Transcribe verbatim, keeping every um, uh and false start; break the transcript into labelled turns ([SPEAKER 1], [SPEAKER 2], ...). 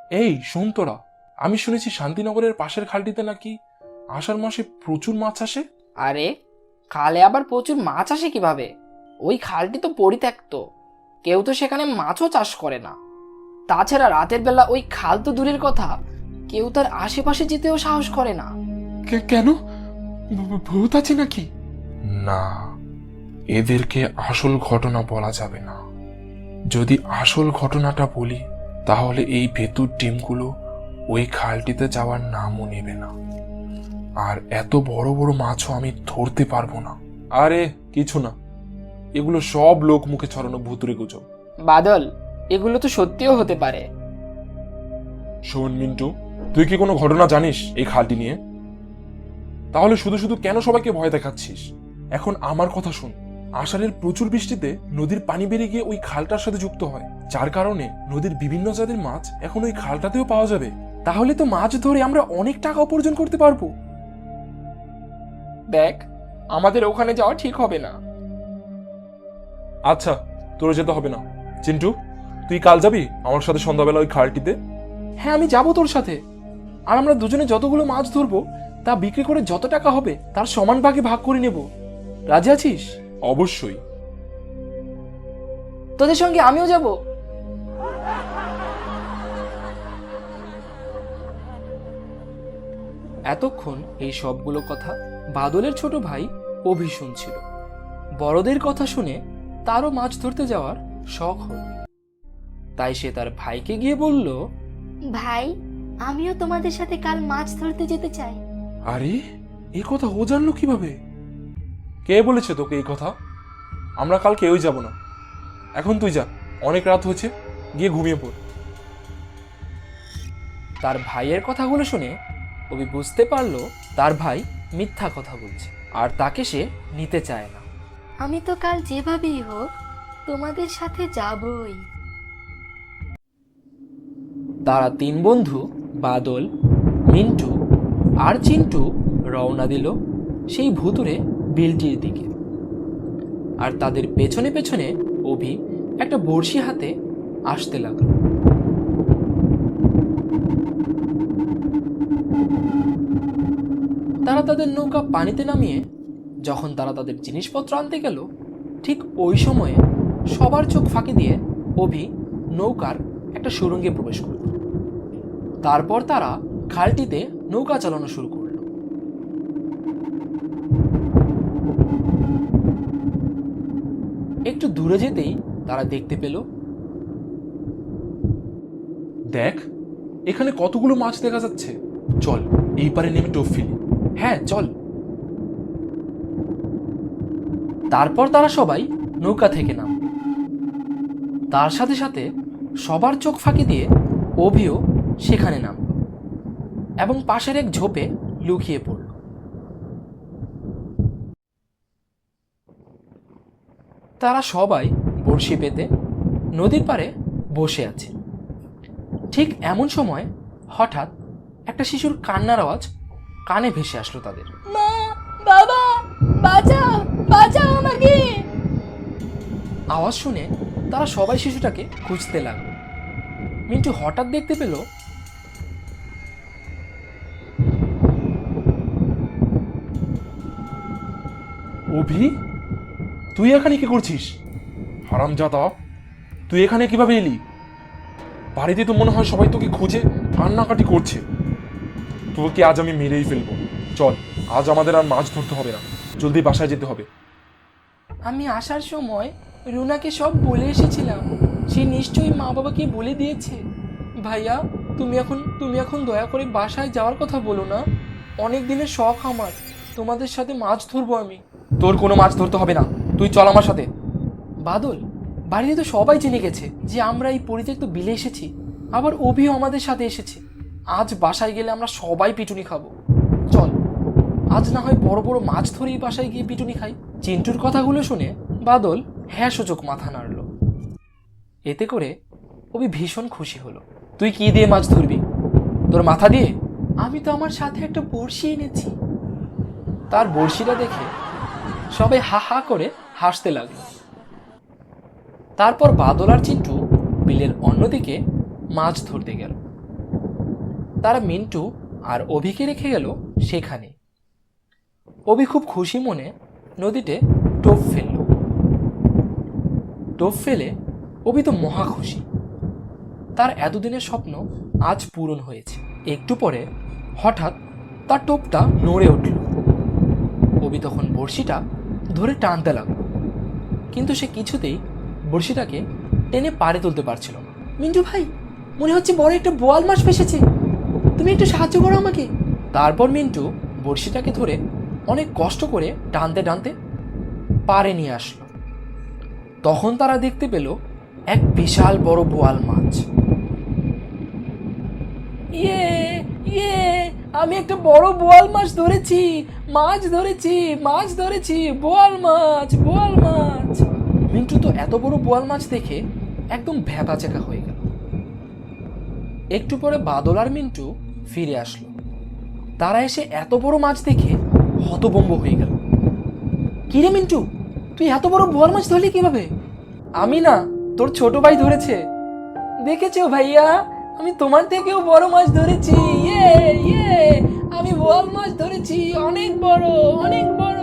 [SPEAKER 1] এই শোন তোরা, আমি শুনেছি শান্তিনগরের পাশের খালটিতে নাকি আষাঢ় মাসে প্রচুর মাছ আসে।
[SPEAKER 2] আরে, খালে আবার প্রচুর মাছ আসে কিভাবে? ওই খালটি তো পরিত্যক্ত, কেউ তো সেখানে মাছও চাষ করে না। তাছাড়া রাতের বেলা ওই খাল তো দূরের কথা, কেউ তার আশেপাশে যেতেও সাহস করে না।
[SPEAKER 1] কেন, ভূ- ভূত আছে নাকি? না, এদেরকে আসল ঘটনা বলা যাবে না। যদি আসল ঘটনাটা বলি তাহলে এই ভেতুর ডিমগুলো ওই খালটিতে যাওয়ার নামও নেবে না, আর এত বড় বড় মাছও আমি ধরতে পারবো না। আরে কিছু না, এগুলো সব লোক মুখে ছড়ানো ভুতুরে গুজব।
[SPEAKER 2] বাদল, এগুলো তো সত্যিও হতে পারে।
[SPEAKER 1] শোন মিন্টু, তুই কি কোনো ঘটনা জানিস এই খালটি নিয়ে? তাহলে শুধু শুধু কেন সবাইকে ভয় দেখাচ্ছিস? এখন আমার কথা শোন। আষাঢ়ের প্রচুর বৃষ্টিতে নদীর পানি বেড়ে গিয়ে ওই খালটার সাথে যুক্ত হয়, যার কারণে নদীর বিভিন্ন জাতের মাছ এখন ওই খালটাতেও পাওয়া যাবে। তাহলে তো মাছ ধরে আমরা অনেক টাকা উপার্জন করতে পারবো।
[SPEAKER 2] দেখ, আমাদের ওখানে যাওয়া ঠিক হবে না।
[SPEAKER 1] আচ্ছা, তোর যেতে হবে না। চিন্টু, তুই কাল যাবি আমার সাথে সন্ধ্যাবেলা ওই খালটিতে? হ্যাঁ, আমি যাবো তোর সাথে। আর আমরা দুজনে যতগুলো মাছ ধরবো তা বিক্রি করে যত টাকা হবে তার সমান ভাগে ভাগ করে নেব। রাজি আছিস? অবশ্যই।
[SPEAKER 2] তোদের সঙ্গে আমিও যাব। এতক্ষণ এই সবগুলো কথা বাদলের ছোট ভাই অভি শুনছিল। বড়দের কথা শুনে তারও মাছ ধরতে যাওয়ার শখ হল, তাই সে তার ভাইকে গিয়ে বলল,
[SPEAKER 3] ভাই, আমিও তোমাদের সাথে কাল মাছ ধরতে যেতে চাই।
[SPEAKER 1] আরে, এই কথা ও জানলো কিভাবে? কে বলেছে তোকে এই কথা? আমরা কাল কেউই যাব না। এখন তুই যা, অনেক রাত হয়েছে, গিয়ে ঘুমিয়ে পড়।
[SPEAKER 2] তার ভাইয়ের কথাগুলো শুনে অভি বুঝতে পারলো তার ভাই মিথ্যা কথা বলছে, আর তাকে সে নিতে চায় না।
[SPEAKER 3] আমি তো কাল যেভাবেই হোক তোমাদের সাথে যাবই।
[SPEAKER 2] তারা তিন বন্ধু বাদল, মিন্টু আর চিন্টু রওনা দিল সেই ভুতুরে বিলটির দিকে। আর তাদের পেছনে পেছনে অভি একটা বড়শি হাতে আসতে লাগলো। তারা তাদের নৌকা পানিতে নামিয়ে যখন তারা তাদের জিনিসপত্র আনতে গেল, ঠিক ওই সময়ে সবার চোখ ফাঁকি দিয়ে অভি নৌকার একটা সুড়ঙ্গে প্রবেশ করল। তারপর তারা খালটিতে নৌকা চালানো শুরু করলো। একটু দূরে যেতেই তারা দেখতে পেল,
[SPEAKER 1] দেখ, এখানে কতগুলো মাছ দেখা যাচ্ছে। চল, এই পারে নেমে টোপ ফেলি।
[SPEAKER 2] হ্যাঁ চল। তারপর তারা সবাই নৌকা থেকে নামল। তার সাথে সাথে সবার চোখ ফাঁকি দিয়ে অভিও সেখানে নামল এবং পাশের এক ঝোপে লুকিয়ে পড়ল। তারা সবাই বড়শি পেতে নদীর পাড়ে বসে আছে। ঠিক এমন সময় হঠাৎ একটা শিশুর কান্নার আওয়াজ কানে ভেসে আসলো তাদের।
[SPEAKER 3] মা, বাবা, বাঁচাও, বাঁচাও আমাকে।
[SPEAKER 2] আওয়াজ শুনে তারা সবাই শিশুটাকে খুঁজতে লাগলো। মিন্টু হঠাৎ দেখতে পেল
[SPEAKER 1] অভি, তুই এখানে কি করছিস? হারামজাদা, তুই এখানে কিভাবে এলি? বাড়িতে তো মনে হয় সবাই তোকে খুঁজে কান্নাকাটি করছে। তোকে আজ আমি মেরেই ফেলবো। চল, আজ আমাদের আর মাছ ধরতে হবে না, জলদি বাসায় যেতে হবে।
[SPEAKER 2] আমি আসার সময় রুনাকে সব বলে এসেছিলাম, সে নিশ্চয়ই মা বাবাকে বলে দিয়েছে। ভাইয়া, তুমি এখন তুমি এখন দয়া করে বাসায় যাওয়ার কথা বলো না। অনেক দিনের শখ আমার, তোমাদের সাথে মাছ ধরবো আমি। তোর কোনো মাছ ধরতে হবে না, তুই চল আমার সাথে। বাদল, বাড়িতে তো সবাই জেনে গেছে যে আমরা এই পরিত্যক্ত বিলে এসেছি, আবার অভিও আমাদের সাথে এসেছে। আজ বাসায় গেলে আমরা সবাই পিটুনি খাবো। চল, আজ না হয় বড় বড় মাছ ধরেই বাসায় গিয়ে পিটুনি খাই। চিন্টুর কথাগুলো শুনে বাদল হ্যাঁ সূচক মাথা নাড়ল। এতে করে অভি ভীষণ খুশি হলো। তুই কি দিয়ে মাছ ধরবি? তোর মাথা দিয়ে? আমি তো আমার সাথে একটা বড়শি এনেছি। তার বড়শিটা দেখে সবাই হা হা করে হাসতে লাগলো। তারপর বাদল আর চিন্টু বিলের অন্যদিকে মাছ ধরতে গেল। তারা মিন্টু আর অভিকে রেখে গেল সেখানে। অভি খুব খুশি মনে নদীতে টোপ ফেলল। টোপ ফেলে অভি তো মহা খুশি, তার এতদিনের স্বপ্ন আজ পূরণ হয়েছে। একটু পরে হঠাৎ তার টোপটা নড়ে উঠল। অভি তখন বড়শিটা ধরে টানতে লাগলো, কিন্তু সে কিছুতেই বড়শিটাকে টেনে পাড়ে তুলতে পারছিল না। মিন্টু ভাই, মনে হচ্ছে বড় একটা বোয়াল মাছ ফেসেছে, তুমি একটু সাহায্য করো আমাকে। তারপর মিন্টু বড়শিটাকে ধরে অনেক কষ্ট করে টানতে টানতে পাড়ে নিয়ে আসলো। তখন তারা দেখতে পেল এক বিশাল বড় বোয়াল মাছ। ইয়ে ইয়ে, আমি একটা বড় বোয়াল মাছ ধরেছি, মাছ ধরেছি, মাছ ধরেছি, বোয়াল মাছ, বোয়াল মাছ। মিন্টু তো এত বড় বোয়াল মাছ দেখে একদম ভ্যাবাচ্যাকা হয়ে গেল। একটু পরে বাদল আর মিন্টু ফিরে আসলো। তারা এসে এত বড় মাছ দেখে হতভম্ব হয়ে গেল। কিরে মিন্টু, তুই এত বড় বোয়াল মাছ ধরলি কিভাবে? আমি না, তোর ছোট ভাই ধরেছে। দেখেছো ভাইয়া, আমি তোমার থেকেও বড় মাছ ধরেছি। ইয়ে ইয়ে, আমি বোয়াল মাছ ধরেছি, অনেক বড়, অনেক বড়।